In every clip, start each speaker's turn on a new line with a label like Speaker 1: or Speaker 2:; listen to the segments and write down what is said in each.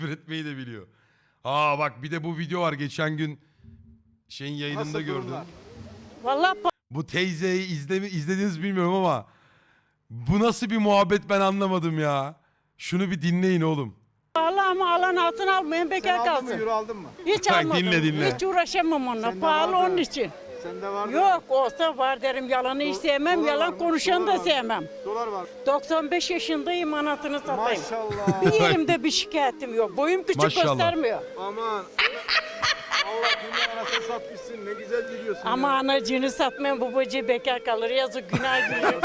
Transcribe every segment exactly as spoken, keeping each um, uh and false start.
Speaker 1: üretmeyi de biliyor. Aa bak bir de bu video var geçen gün şeyin yayınında
Speaker 2: Nasıl
Speaker 1: gördüm.
Speaker 2: durumlar?
Speaker 3: Vallahi
Speaker 1: Bu teyzeyi izlemi izlediniz bilmiyorum ama bu nasıl bir muhabbet ben anlamadım ya. Şunu bir dinleyin oğlum.
Speaker 3: pahalı ama alan altın almayın
Speaker 2: Sen
Speaker 3: bekar
Speaker 2: aldın mı?
Speaker 3: kalsın.
Speaker 2: Euro aldın mı?
Speaker 3: Hiç
Speaker 1: Bak,
Speaker 3: almadım.
Speaker 1: dinle, dinle.
Speaker 3: Hiç uğraşamam onunla.
Speaker 2: Sende
Speaker 3: Pahalı
Speaker 2: var da.
Speaker 3: onun için.
Speaker 2: Sende var mı?
Speaker 3: Yok olsa var derim. Yalanı hiç
Speaker 2: Do-
Speaker 3: sevmem.
Speaker 2: dolar var
Speaker 3: Yalan
Speaker 2: mı?
Speaker 3: konuşanı
Speaker 2: Dolar
Speaker 3: da
Speaker 2: var mı?
Speaker 3: sevmem.
Speaker 2: Dolar var.
Speaker 3: doksan beş yaşındayım anasını satayım.
Speaker 2: Maşallah.
Speaker 3: Bir yerimde bir şikayetim yok. Boyum küçük
Speaker 1: Maşallah.
Speaker 3: göstermiyor.
Speaker 2: Aman. Allah dünya anasını satmışsın. Ne güzel gidiyorsun
Speaker 3: Ama
Speaker 2: ya.
Speaker 3: anacığını satmayan babacığı bekar kalır. Yazık günah giriyor.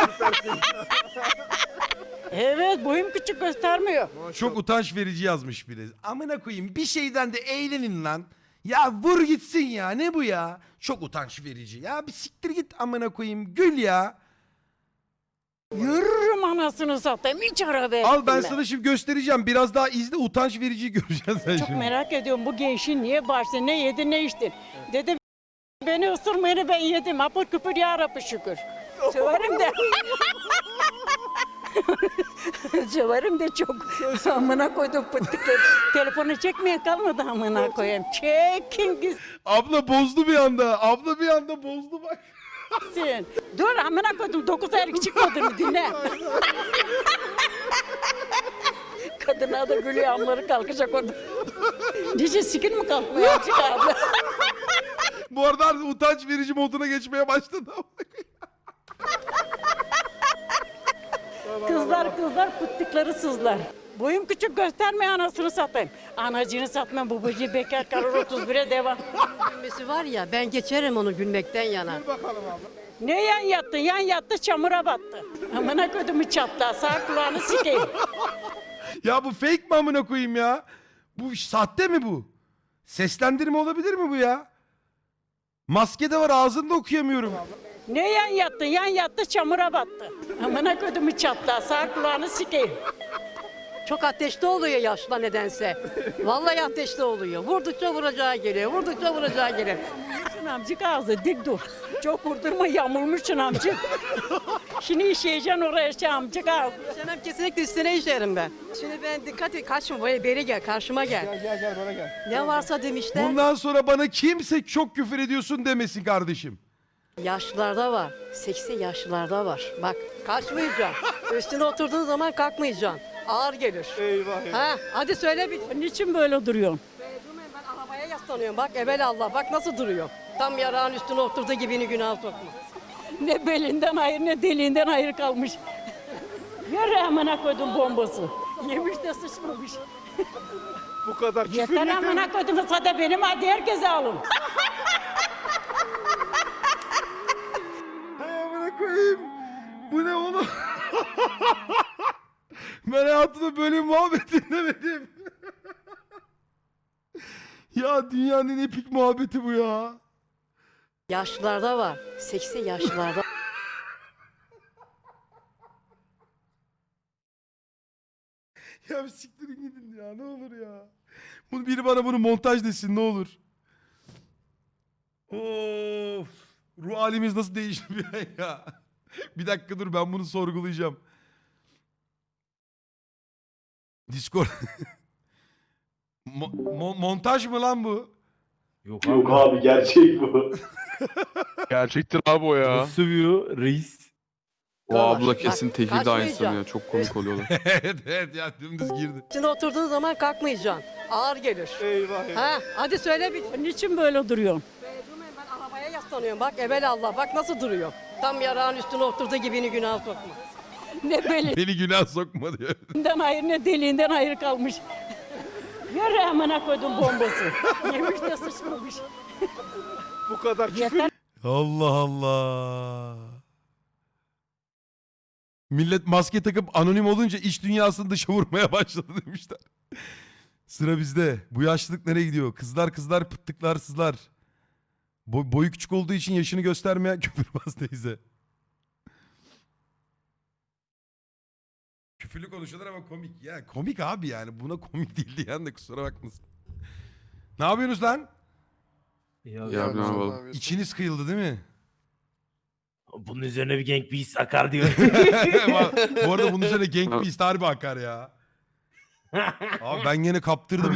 Speaker 3: Evet boyum küçük göstermiyor.
Speaker 1: Çok utanç verici yazmış biri. Amına koyayım bir şeyden de eğlenin lan. Ya vur gitsin ya ne bu ya? Çok utanç verici. Ya bir siktir git amına koyayım gül ya.
Speaker 3: Yürürüm anasını satayım. Hiç araba
Speaker 1: Al ben
Speaker 3: ettim
Speaker 1: sana şimdi göstereceğim. Biraz daha izle utanç verici göreceksin sen
Speaker 3: Çok
Speaker 1: şimdi.
Speaker 3: merak ediyorum bu gençin niye başta ne yedi ne içti. Dedim beni ısırmayını ben yedim. Apır küpür ya Rabbi şükür. Severim de. Severim de çok. Amına koydum pıttıkları. Telefonu çekmeye kalmadı amına koyayım. Çekin
Speaker 1: Abla bozdu bir anda. Abla bir anda bozdu bak.
Speaker 3: gitsin. Dur amına koydum. Dokuz aylık çıkmadı mı dinle. Kadına da gülüyor amları kalkacak orada. Nice sikir mi kalkmıyor azıcık abi?
Speaker 1: Bu arada artık utanç verici moduna geçmeye başladı.
Speaker 3: Kızlar kızlar pıttıkları sızlar. Boyum küçük gösterme anasını satayım. Anacını satmam babacığı bekar kalır otuz bire devam.
Speaker 4: Gülmesi var ya ben geçerim onu gülmekten yana.
Speaker 2: Dur bakalım abla.
Speaker 3: Ne yan yattı yan yattı çamura battı. Amına kodumu çatla sağ kulağını sikeyim.
Speaker 1: Ya bu fake mi amına koyayım ya? Bu sahte mi bu? Seslendirme olabilir mi bu ya? Maske de var ağzında okuyamıyorum.
Speaker 3: Ne yan yattı yan yattı çamura battı. Amına kodumu çatla sağ kulağını sikeyim.
Speaker 4: Çok ateşli oluyor yaşla nedense. Vallahi ateşli oluyor. Vurdukça vuracağı geliyor. Vurdukça vuracağı geliyor.
Speaker 3: Şun amcık ağzı dik dur. Çok vurdurma yamulmuşsun amcık. Şimdi işeyeceksin oraya şey amcık ağzı.
Speaker 4: İşemem kesinlikle üstüne işerim ben. Şimdi ben dikkat et kaçma böyle beri gel karşıma gel.
Speaker 2: Gel gel gel bana gel.
Speaker 4: Ne varsa demişler.
Speaker 1: Bundan sonra bana kimse çok küfür ediyorsun demesin kardeşim.
Speaker 4: Yaşlılarda var. Seksi yaşlılarda var. Bak kaçmayacaksın. Üstüne oturduğun zaman kalkmayacaksın. Ağır gelir.
Speaker 2: Eyvah eyvah.
Speaker 4: Ha, hadi söyle bir.
Speaker 3: Niçin böyle duruyorsun?
Speaker 4: Durmayın, ben arabaya yaslanıyorum. Bak evvel Allah bak nasıl duruyor. Tam yarağın üstüne oturduğu gibini günah sokma.
Speaker 3: Ne belinden hayır ne deliğinden hayır kalmış. Yürü amına koydum bombası. Yemiş de sıçmamış.
Speaker 2: Bu kadar küfür
Speaker 3: Yeter
Speaker 2: yeter.
Speaker 3: amına koydum sada benim hadi herkese alın.
Speaker 1: Hay amına koyayım. Bu ne oğlum? Ben hayatımda böyle bir muhabbet dinlemedim. Ya dünyanın en epik muhabbeti bu ya.
Speaker 4: Yaşlılarda var. Seksi yaşlılarda.
Speaker 1: Ya bir siktirin gidin ya ne olur ya. Bunu biri bana bunu montaj desin ne olur. Of. Ruh halimiz nasıl değişti bir ay ya. Bir dakika dur ben bunu sorgulayacağım. Discord. Mo- mo- montaj mı lan bu?
Speaker 5: Yok
Speaker 6: Yok abi gerçek bu.
Speaker 7: Gerçektir abi o ya.
Speaker 5: Nasıl sövüyor reis?
Speaker 7: O abla
Speaker 4: Bak,
Speaker 7: kesin tekil de
Speaker 4: kaçmayacağım.
Speaker 7: aynısı ya. Çok komik oluyorlar.
Speaker 1: evet evet ya dümdüz girdi.
Speaker 4: Üstüne oturduğun zaman kalkmayacaksın. Ağır gelir.
Speaker 2: Eyvah eyvah.
Speaker 4: Ha, hadi söyle bir.
Speaker 3: Niçin böyle duruyorsun?
Speaker 4: Durmayın, ben arabaya yaslanıyorum. Bak evvel Allah bak nasıl duruyor. Tam yarağın üstüne oturduğu gibini günah sokma.
Speaker 3: Ne belinden
Speaker 1: Beni günah sokma diyor.
Speaker 3: hayır ne deliğinden hayır kalmış. Yürü amına koydum bombası. Yemiş de sıçmamış.
Speaker 2: Bu kadar küfür
Speaker 3: Yeter
Speaker 1: Allah Allah. Millet maske takıp anonim olunca iç dünyasını dışa vurmaya başladı demişler. Sıra bizde. Bu yaşlılık nereye gidiyor? Kızlar kızlar pıttıklar sızlar. Boy, boyu küçük olduğu için yaşını göstermeyen küfürbaz teyze. Küfürlü konuşuyorlar ama komik. Ya komik abi yani. Buna komik değil diyen de kusura bakmasın. Ne yapıyorsunuz lan?
Speaker 5: Ya,
Speaker 7: Ya ne yapalım.
Speaker 1: İçiniz kıyıldı değil mi?
Speaker 5: bunun üzerine bir Gang Beasts akar diyor.
Speaker 1: Bu arada bunun üzerine Gang Beast harbi akar ya. Abi ben gene kaptırdım.